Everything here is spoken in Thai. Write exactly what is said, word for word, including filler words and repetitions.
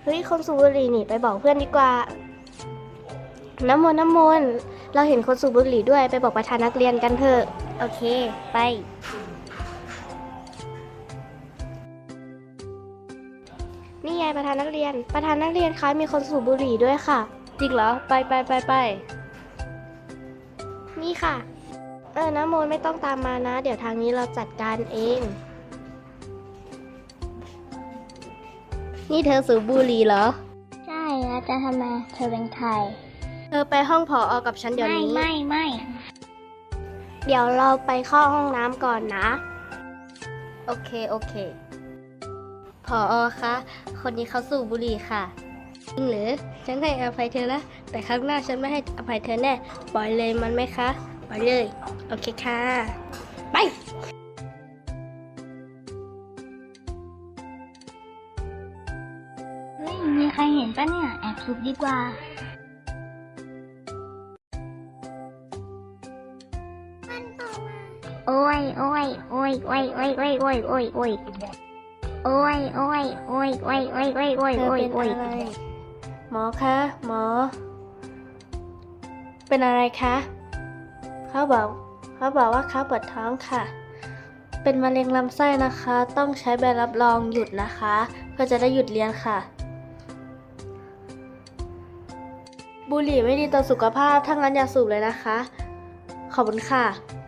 เฮ้ยคนสูบบุหรี่นี่ไปบอกเพื่อนดีกว่าน้ำมนต์น้ำมนต์เราเห็นคนสูบบุหรี่ด้วยไปบอกประธานนักเรียนกันเถอะโอเคไปนี่ไงประธานนักเรียนประธานนักเรียนคะมีคนสูบบุหรี่ด้วยค่ะจริงเหรอไปไปไปไปนี่ค่ะเออน้ำมนต์ไม่ต้องตามมานะเดี๋ยวทางนี้เราจัดการเองนี่เธอสูบบุหรี่เหรอใช่แล้วจะทำไมเธอเป็นใครเธอไปห้องผอ.กับฉันเดี๋ยวนี้ไม่ไม่ไม่เดี๋ยวเราไปเข้าห้องน้ำก่อนนะโอเคโอเคผอ.คะคนนี้เขาสูบบุหรี่ค่ะจริงหรือฉันให้อภัยเธอนะแต่ครั้งหน้าฉันไม่ให้อภัยเธอแน่ปล่อยเลยมันไหมคะปล่อยเลยโอเคค่ะไปเฮ้ยมีใครเห็นปะเนี่ยแอบสูบดีกว่าโอ้ยโอ้ยโอ้ยโอ้ยโอ้ยโอ้ยโอ้ยโอ้ยโอ้ยโอ้ยโอ้ยโอ้ยโอ้ยโอ้ยโอ้ยโอ้ยโอ้ยโอ้ยโอ้ยหมอคะหมอเป็นอะไรคะเขาบอกเขาบอกว่าเขาปวดท้องค่ะเป็นมะเร็งลำไส้นะคะต้องใช้ใบรับรองหยุดนะคะเพื่อจะได้หยุดเรียนค่ะบุหรี่ไม่ดีต่อสุขภาพถ้างั้นอย่าสูบเลยนะคะขอบคุณค่ะ